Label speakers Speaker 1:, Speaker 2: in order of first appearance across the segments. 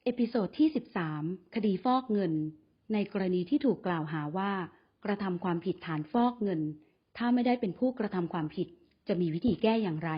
Speaker 1: เอพิโซดที่ 13 คดีฟอกเงิน ในกรณีที่ถูกกล่าวหาว่ากระทำความผิดฐานฟอกเงิน ถ้าไม่ได้เป็นผู้กระทำความผิดจะมีวิธีแก้อย่างไร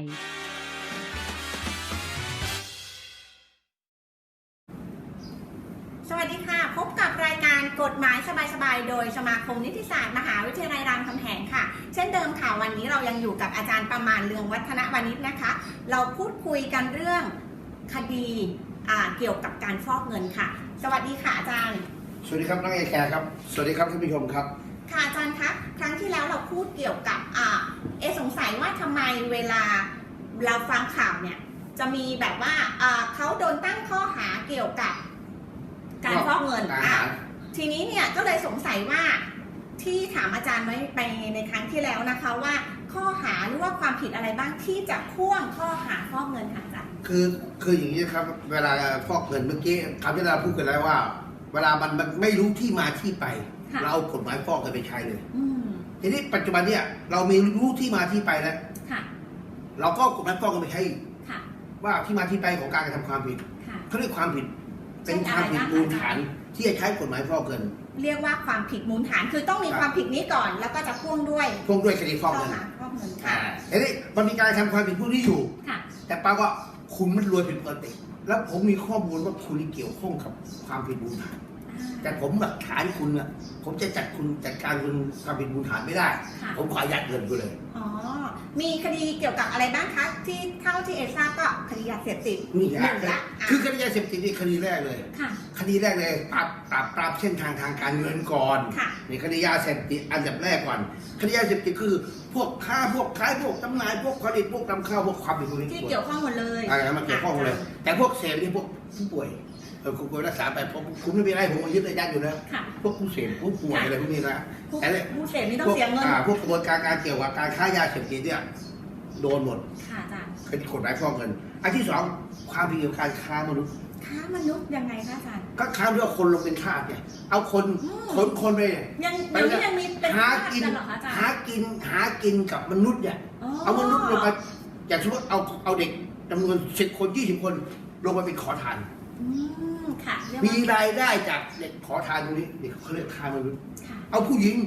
Speaker 2: สวัสดีค่ะพบกับรายการกฎหมายสบายๆโดยสมาคมนิติศาสตร์มหาวิทยาลัยรามคำแหงค่ะเช่นเดิมค่ะวันนี้เรายังอยู่กับอาจารย์ประมาณเรืองวัฒนวณิชนะคะเราพูดคุยกันเรื่องคดีเกี่ยวกับการฟอกเงินค่ะสวัสดีค่ะอาจารย์
Speaker 3: สวัสดีครับน้องเอแคร์ครับสวัสดีครับท่านผู้ชมครับ
Speaker 2: ค่ะอาจารย์คะครั้งที่แล้วเราพูดเกี่ยวกับสงสัยว่าทำไมเวลาเราฟังข่าวเนี่ยจะมีแบบว่าเขาโดนตั้งข้อหาเกี่ยวกับการฟอกเงินทีนี้เนี่ยก็เลยสงสัยว่าที่ถามอาจารย์ไว้ไปในครั้งที่แล้วนะคะว่าข้อหาหรือว่าความผิดอะไรบ้างที่จะพ่วงข้อหาฟอกเงินค่ะอาจารย์
Speaker 3: คืออย่างนี้ครับเวลาฟอกเงินเมื่อกี้คำที่เราพูดกันแล้วว่าเวลามันไม่รู้ที่มาที่ไปเราเอากฎหมายฟอกเงินไปใช้เลยทีนี้ปัจจุบันเนี่ยเรามีรู้ที่มาที่ไปแล้วเราก็กฎหมายฟอกเงินไปใช้ว่าที่มาที่ไปของการกระทำความผิดเขาเรียกความผิดเป็นความผิดมูลฐานที่จะใช้กฎหมายฟอกเงิน
Speaker 2: เรียกว่าความผิดมูลฐานคือต้องมีความผิดนี้ก่อนแล้วก็จะพ่วงด้วย
Speaker 3: คดีฟอกเงินทีนี้มันมีการทำความผิดพวกนี้อยู่แต่ป้าก็คุณมันรวยเป็นปกติแล้วผมมีข้อมูลว่าคุณเกี่ยวข้องกับความผิดมูลฐานแต่ผมหลักฐานคุณอ่ะผมจะจัดการคุณความผิดมูลฐานไม่ได้ผมขอยัดเงินคุณเลย
Speaker 2: อ๋อมีคดีเกี่ยวกับอะไรบ้างคะที่เท่าที่เอทราบก็คดียาเสพติด
Speaker 3: นี่แหละคือคดียาเสพติดนี่คดีแรกเลยคดีแรกเลยปราบเส้นทางการเงินก่อนนี่คดียาเสพติดอันดับแรกก่อนคดียาเสพติดคือพวกค้าพวกขายพวกจำหน่ายพวกผลิตพวกนำเข้าพวกความผิด
Speaker 2: ที่เกี่ยวข้องหมดเลย
Speaker 3: มันเกี่ยวข้องเลยแต่พวกเสพนี่พวกผู้ป่วยคุณรักษาไปคุณไม่มีอะไรผมยึดระยะอยู่แล้วพวกผู้เสพผู้ป่วยอะไรพวกนี้นะ
Speaker 2: แต่ผู้เสพนี่ต้องเสียเงิน
Speaker 3: พวกกระบวนการเกี่ยวกับการค้ายาเสพติดเนี่ยโดนหมด
Speaker 2: ค่ะอาจารย์
Speaker 3: เป็นกฎหมายฟอกเงินอันที่สองความผิดเกี่ยวกับการค้ามนุษย์
Speaker 2: ยังไงคะอาจารย์
Speaker 3: ก็ค้ามด้วยคนลงเป็นทาสเนี่ยเอาคนไป
Speaker 2: ยังมีเป็น
Speaker 3: หากินกับมนุษย์เนี่ยเอามนุษย์ลงไปอย่างเช่นว่าเอาเด็กจำนวน10 คน20 คนลงไปเป็นขอทานมีรายได้จากเด็กขอทานตรงนี้เด็กเขาเรียกค้ามนุษย์เอาผู้หญิง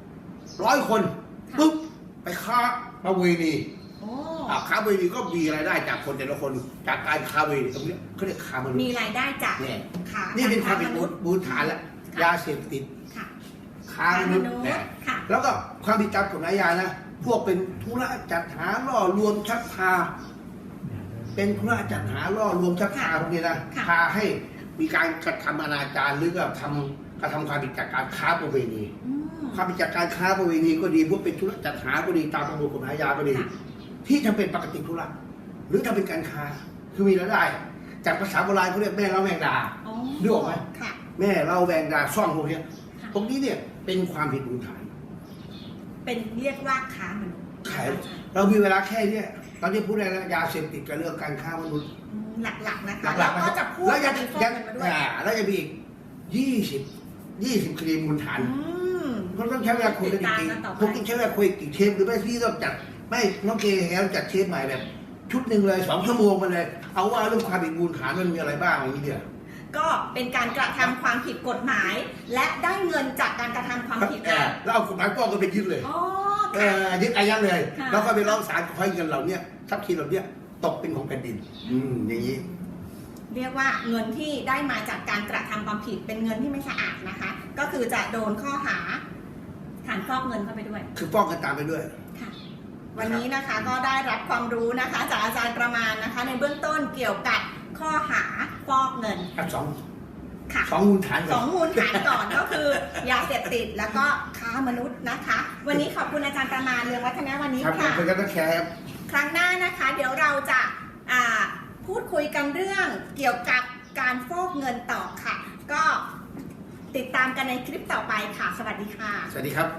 Speaker 3: 100 คนปุ๊บไปค้าประเวณีค้าประเวณีก็มีรายได้จากคนแต่ละคนจากการค้าประเวณีตรงนี้เขาเรียกค้ามนุษย์
Speaker 2: มีรายได้จาก
Speaker 3: นี่เป็นความผิดมูลฐานแล้วยาเสพติดค้ามนุษย์แล้วก็ความผิดตามกฎหมายยานะพวกเป็นธุระจัดหาล่อลวงชักพาเป็นธุระจัดหาล่อลวงชักพาพวกนี้นะพาให้มีการกระทำอนาจารหรือกระทำความผิดจากการค้าประเวณีความผิดจากการค้าประเวณีก็ดีพวกเป็นธุระจัดหาก็ดีตามประมวลกฎหมายยาก็ดีที่ทำเป็นปกติธุระหรือทำเป็นการค้าคือมีรายได้จากภาษาโบราณเขาเรียกแม่เล่าแมงดาดูออกไหมแม่เล่าแมงดาซ่องพวกนี้ตรงนี้เนี่ยเป็นความผิดมูลฐาน
Speaker 2: เป็นเรียกว่าค้ามนุษย์
Speaker 3: เรามีเวลาแค่นี้ตอนนี้พูดได้แล้วยาเสพติดกับเรื่องการค้ามนุษย์
Speaker 2: หลักๆนะคะแล้วก็จะพูด
Speaker 3: แล้วยังแล้วจะมีอีก20 คดีมูลฐานก็ต้องใช้เวลาคุยกันจริงๆผมต้องใช้เวลาคุยกี่เทปหรือไม่ที่ต้องจัดไม่น้องเกย์แล้วจัดเทปใหม่แบบชุดหนึ่งเลย2 ชั่วโมงมาเลยเอาว่าเรื่องความผิดมูลฐานมันมีอะไรบ้างอย่างนี้เดียว
Speaker 2: ก็เป็นการกระทำความผิดกฎหมายและได้เงินจากการกระทำความผิด
Speaker 3: แล้วเอากฎหมายก็ไปยึดเลยยึดอายัดเลยแล้วก็ไปร้องศาลขอให้เงินเหล่านี้ทรัพย์สินเหล่านี้ตกเป็นของแผ่นดินอย่างนี้
Speaker 2: เรียกว่าเงินที่ได้มาจากการกระทำความผิดเป็นเงินที่ไม่สะอาดนะคะก็คือจะโดนข้อหาฐานฟอกเงินเข้าไปด้วย
Speaker 3: คือฟอกกันตามไปด้วย
Speaker 2: ค่ะวันนี้นะคะก็ได้รับความรู้นะคะจากอาจารย์ประมาณนะคะในเบื้องต้นเกี่ยวกับข้อหาฟอกเงิน
Speaker 3: สองมูลฐาน
Speaker 2: ก่อนก็คือยาเสพติดแล้วก็ค้ามนุษย์นะคะวันนี้ขอบคุณอาจารย์ประมาณเรืองวัฒนวณิชค่ะ
Speaker 3: เป็นการแชร์
Speaker 2: ครั้งหน้านะคะเดี๋ยวเราจะพูดคุยกันเรื่องเกี่ยวกับการฟอกเงินต่อค่ะก็ติดตามกันในคลิปต่อไปค่ะสวัสดีค่ะ
Speaker 3: สวัสดีครับ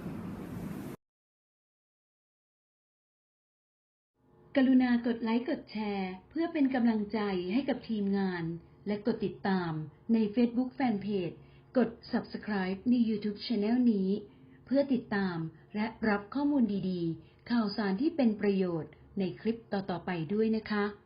Speaker 1: กรุณากดไลค์กดแชร์เพื่อเป็นกำลังใจให้กับทีมงานและกดติดตามใน Facebook Fanpage กด Subscribe ใน YouTube Channel นี้เพื่อติดตามและรับข้อมูลดีๆข่าวสารที่เป็นประโยชน์ในคลิปต่อๆไปด้วยนะคะ